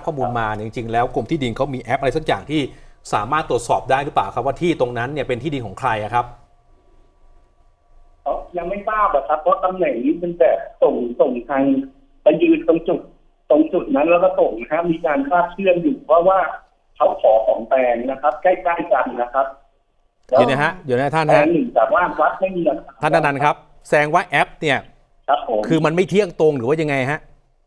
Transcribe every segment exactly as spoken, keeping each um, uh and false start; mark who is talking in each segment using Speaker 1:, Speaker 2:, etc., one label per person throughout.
Speaker 1: ข้อมูลมาจริงๆแล้วกรมที่ดินเขามีแอปอะไรสักอย่างที่สามารถตรวจสอบได้หรือเปล่าครับว่าที่ตรงนั้นเนี่ยเป็นที่ดินของใครครับ
Speaker 2: ยังไม่ทราบครับเพราะตำแหน่งนี้เป็นแต่ส่งส่งทางไปยืนตรงจุดตรงจุดนั้นแล้วก็ส่งนะครับมีการคาดเชื่อมอยู่เพราะว่าเขาขอของแปลงนะครับใกล้ๆกันนะครับ
Speaker 1: เดี๋ยวนะฮะเดี๋ยวนะท่านฮะ
Speaker 2: หนึ่งแต่ว่าวัดไม่มี
Speaker 1: ท่านนันท์ครับแสดงว่าแอปเนี่ย
Speaker 2: ครับผม
Speaker 1: คือมันไม่เที่ยงตรงหรือว่ายังไงฮะ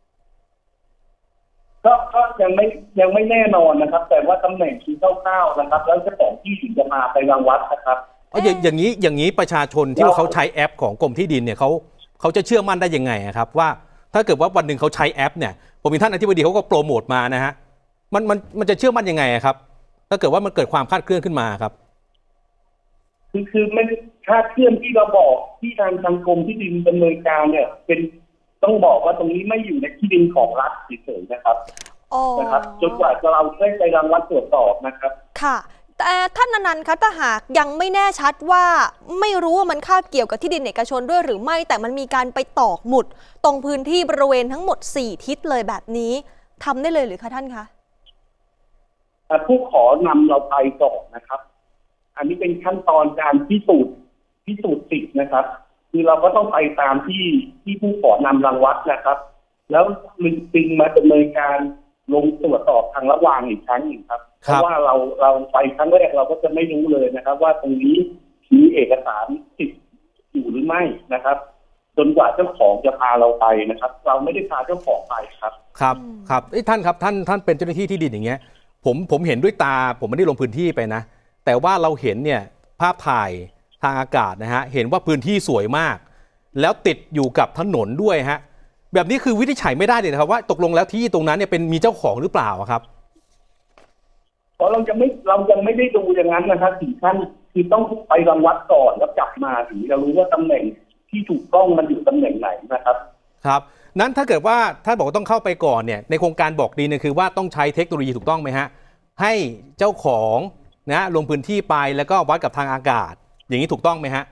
Speaker 2: ก็ก็ยังไม่ยังไม่แน่นอนนะครับแต่ว่าตำแหน่งคือคร่าวๆนะครับแล้วเจ้าของที่ถึงจะมาไปรังวัดนะครับ
Speaker 1: อ๋ออย่างอย่างนี้อย่างนี้ประชาชนที่ว่าเขาใช้แอปของกรมที่ดินเนี่ยเขาเขาจะเชื่อมั่นได้ยังไงครับว่าถ้าเกิดว่าวันหนึ่งเขาใช้แอปเนี่ยผมมีท่านอธิบดีเขาก็โปรโมทมานะฮะมันมันมันจะเชื่อมั่นยังไงครับถ้าเกิดว่ามันเกิดความคลาดเคลื่อนขึ้นมาครับ
Speaker 2: คือคือไม่คาดเคลื่อนที่เราบอกที่ทางทางกรมที่ดินดำเนินการเนี่ยเป็นต้องบอกว่าตรงนี้ไม่อยู่ในที่ดินของรัฐเฉยๆนะครับนะครับจนกว่าจะเราได้ไปรังวัดตรวจสอบนะครับ
Speaker 3: ค่ะแต่ท่านอนันต์คะถ้าหากยังไม่แน่ชัดว่าไม่รู้ว่ามันคาบเกี่ยวกับที่ดินเอกชนด้วยหรือไม่แต่มันมีการไปตอกหมุดตรงพื้นที่บริเวณทั้งหมดสี่ทิศเลยแบบนี้ทำได้เลยหรือคะท่านคะ
Speaker 2: ผู้ขอนำเราไปก่อนนะครับอันนี้เป็นขั้นตอนการพิสูจน์พิสูจน์สิทธิ์นะครับคือเราก็ต้องไปตามที่ที่ผู้ขอนำรังวัดนะครับแล้วมีปิงมาดำเนินการลงตรวจสอบทางระหว่างอีกครั้งหนึ่งครับเพราะว่าเราเราไปครั้งแรกเราก็จะไม่รู้เลยนะครับว่าตรงนี้มีเอกสารสิทธิ์อยู่หรือไม่นะครับจนกว่าเจ้าของจะพาเราไปนะครับเราไม่ได้พาเจ้าของไปครับ
Speaker 1: ครับครับท่านครับท่านท่านเป็นเจ้าหน้าที่ที่ดินอย่างเงี้ยผมผมเห็นด้วยตาผมไม่ได้ลงพื้นที่ไปนะแต่ว่าเราเห็นเนี่ยภาพถ่ายทางอากาศนะฮะเห็นว่าพื้นที่สวยมากแล้วติดอยู่กับถนนด้วยฮะแบบนี้คือวินิจฉัยไม่ได้เลยนะครับว่าตกลงแล้วที่ตรงนั้นเนี่ยเป็นมีเจ้าของหรือเปล่าครับ
Speaker 2: เพราะเราจะไม่เรายังไม่ได้ดูอย่างนั้นนะครับถึงขั้นคือต้องไปรังวัดก่อนแล้วกลับมาถึงจะรู้ว่าตำแหน่งที่ถูกต้องมันอยู่ตำแหน่งไหนนะครับ
Speaker 1: ครับนั้นถ้าเกิดว่าท่านบอกว่าต้องเข้าไปก่อนเนี่ยในโครงการบอกดีเนี่ยคือว่าต้องใช้เทคโนโลยีถูกต้องไหมฮะให้เจ้าของนะลงพื้นที่ไปแล้วก็วัดกับทางอากาศอย่างนี้ถูกต้องไหมฮะ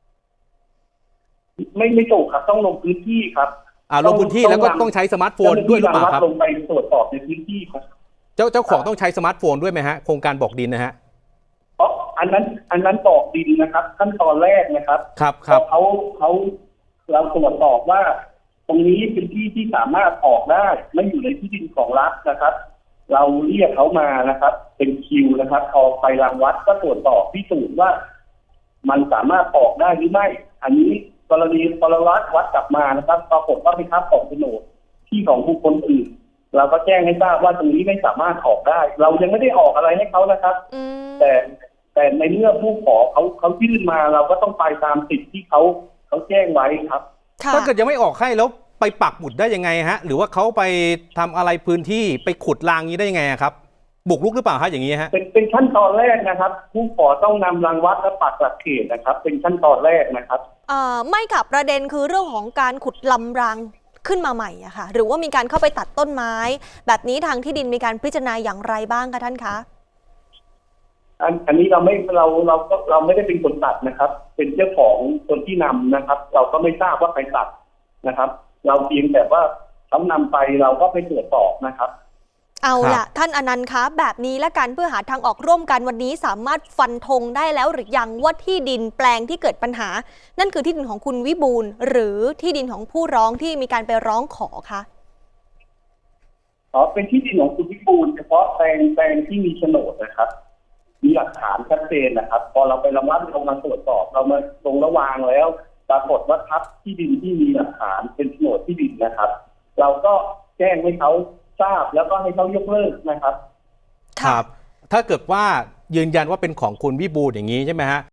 Speaker 2: ไม่ไม่ถูกครับต้องลงพื้นที่ครับ
Speaker 1: อ่าลงพื้นที่แล้วก็ต้องใช้สมาร์ทโฟนด้วยหรือเปล่าครับ
Speaker 2: ลงไปตรวจสอบในพื้นที่ครับ
Speaker 1: เจ้าเจ้าของต้องใช้สมาร์ทโฟนด้วยไหมฮะโครงการบอกดินนะฮะ
Speaker 2: เพราะอันนั้นอันนั้นบอกดินนะครับขั้นตอนแรกนะครับ
Speaker 1: ครับครับ
Speaker 2: เขาเขาเราตรวจสอบว่าตรงนี้เป็นที่ที่สามารถออกได้ไม่อยู่ในที่ดินของรัฐนะครับเราเรียกเขามานะครับเป็นคิวนะครับพอไปรังวัดก็ตรวจสอบพิสูจน์ว่ามันสามารถออกได้หรือไม่อันนี้กรณีปรวัดวัดกลับมานะครับปรากฏว่าเป็นครับของโฉนดที่ของผู้คนอื่นเราก็แจ้งให้ทราบว่าตรงนี้ไม่สามารถออกได้เรายังไม่ได้ออกอะไรให้เขานะครับแต่แต่ในเมื่อผู้ขอเขาเขายื่นมาเราก็ต้องไปตามสิทธิ์ที่เขาเขาแจ้งไว้ครับ
Speaker 1: ถ้าเกิดยังไม่ออกให้แล้วไปปักหมุดได้ยังไงฮะหรือว่าเขาไปทำอะไรพื้นที่ไปขุดรางนี้ได้ยังไงครับบุกรุกหรือเปล่าฮะอย่างนี้ฮะ
Speaker 2: เป็นเป็นขั้นตอนแรกนะครับผู้ขอต้องนำรังวัดและปักหลักเขตนะครับเป็นขั้นตอนแรกนะครับ
Speaker 3: เอ่อไม่กับประเด็นคือเรื่องของการขุดลำรางขึ้นมาใหม่อะค่ะหรือว่ามีการเข้าไปตัดต้นไม้แบบนี้ทางที่ดินมีการพิจารณาอย่างไรบ้างคะท่านคะ
Speaker 2: อันอันนี้เราไม่เราเราก็เราไม่ได้เป็นคนตัดนะครับเป็นเจ้าของคนที่นำนะครับเราก็ไม่ทราบว่าใครตัดนะครับเราเพียงแต่ว่าเขานำไปเราก็ไปตรวจสอบนะครับ
Speaker 3: เอาล่ะท่านอนันต์คะแบบนี้และกันเพื่อหาทางออกร่วมกันวันนี้สามารถฟันธงได้แล้วหรือยังว่าที่ดินแปลงที่เกิดปัญหานั่นคือที่ดินของคุณวิบูลย์หรือที่ดินของผู้ร้องที่มีการไปร้องขอคะ
Speaker 2: อ๋อเป็นที่ดินของคุณวิบูลย์เฉพาะแปลงแปลงที่มีโฉนดนะครับมีหลักฐานชัดเจนนะครับพอเราไประงับลงมาตรวจสอบเรามาลงระวางแล้วปรากฏว่าทับที่ดินที่มีหลักฐานเป็นโฉนดที่ดินนะครับเราก็แจ้งให้เขาทราบแล้วก็ให้เขายกเลิกนะครับ
Speaker 1: ครับถ้าเกิดว่ายืนยันว่าเป็นของคุณวิบูลย์อย่างนี้ใช่ไหมฮะ